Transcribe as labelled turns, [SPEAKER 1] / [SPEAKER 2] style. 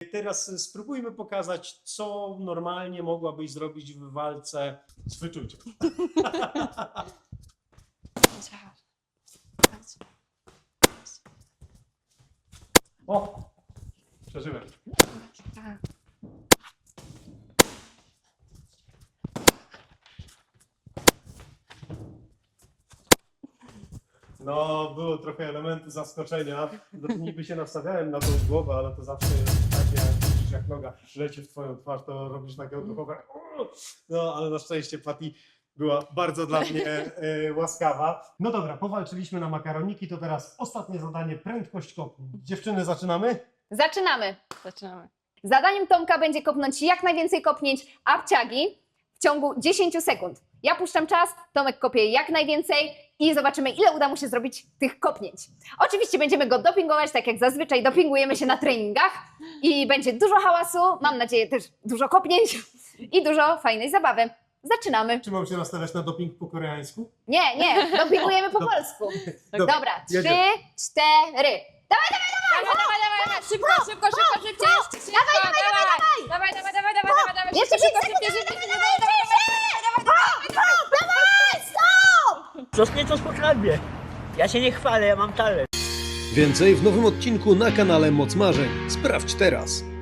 [SPEAKER 1] Teraz spróbujmy pokazać, co normalnie mogłabyś zrobić w walce z wyczuciem. O! Przeżyłem. No, było trochę elementu zaskoczenia. Niby się nastawiałem na tą głowę, ale to zawsze jest takie, widzisz, jak noga leci w twoją twarz, to robisz takie odruchowe. No, ale na szczęście Patty była bardzo dla mnie łaskawa. No dobra, powalczyliśmy na makaroniki, to teraz ostatnie zadanie, prędkość kopnięć. Dziewczyny, zaczynamy?
[SPEAKER 2] Zaczynamy.
[SPEAKER 3] Zaczynamy.
[SPEAKER 2] Zadaniem Tomka będzie kopnąć jak najwięcej kopnięć apciagi w ciągu 10 sekund. Ja puszczam czas, Tomek kopie jak najwięcej i zobaczymy, ile uda mu się zrobić tych kopnięć. Oczywiście będziemy go dopingować, tak jak zazwyczaj dopingujemy się na treningach i będzie dużo hałasu, mam nadzieję też dużo kopnięć i dużo fajnej zabawy. Zaczynamy.
[SPEAKER 1] Czy mam się nastawiać na doping po koreańsku?
[SPEAKER 2] Nie, dopingujemy po polsku. Dobra, 3, 4.
[SPEAKER 3] Dawaj! Szybko, szybciej! Dawaj!
[SPEAKER 2] Jeszcze 5 sekund!
[SPEAKER 4] Coś mnie to spokradnie. Ja się nie chwalę, ja mam talent.
[SPEAKER 5] Więcej w nowym odcinku na kanale Moc Marzeń. Sprawdź teraz.